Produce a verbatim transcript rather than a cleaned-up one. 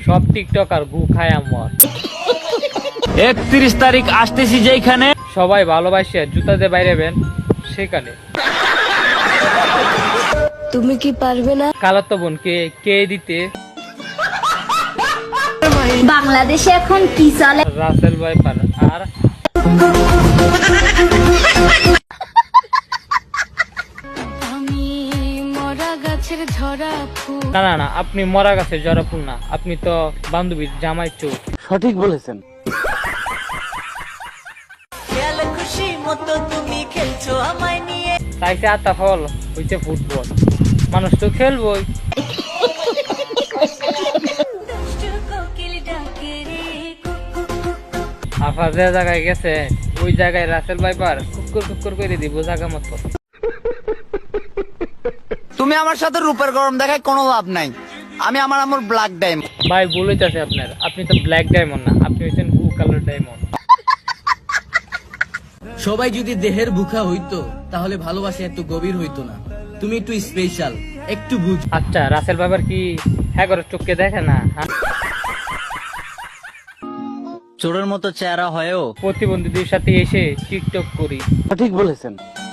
সব টিকটক আর গু খায় আমার। একত্রিশ তারিখ আসতেছি যেখানে সবাই ভালোবাসে জুতা দিয়ে বাইরেবেন সেখানে। তুমি কি পারবে না? কালাতো বোনকে কে দিতে? বাংলাদেশে এখন কি চলে? রাসেল ভাই পার আর আমি মরা গাছের ঝরা ফুল। না না না, আপনি মরা গাছের জরা ফুল না, আপনি তো বান্ধবীর জামাই চোখ। সঠিক বলেছেন। খুশি মতো তুমি খেলছো আমায় নিয়ে। তাইছে আতা ফল হইছে ফুটবল, মানুষ তো খেলবই। আফা যে জায়গায় গেছে ওই জায়গায় রাসেল ভাইপার কুকুর কুকুর করে দিব জায়গা মতো। তুমি আমার সাথে রূপের গরম দেখায় কোনো লাভ নাই। আমি আমার আমার ব্ল্যাক ডায়মন্ড। ভাই ভুল হইতাছে আপনার, আপনি তো ব্ল্যাক ডায়মন্ড না, আপনি হচ্ছেন ব্লু কালার ডায়মন্ড। সবাই যদি দেহের ভুখা হইতো তাহলে ভালোবাসা এত গভীর হইতো না। তুমি একটু স্পেশাল, একটু বুঝ। আচ্ছা রাসেল ভাইপার কি হ্যাঁ করে চোখকে দেখে না? হ্যাঁ, চোরের মতো চেহারা হয়েও প্রতিবন্ধীদের সাথে এসে টিকটক করি। সঠিক বলেছেন।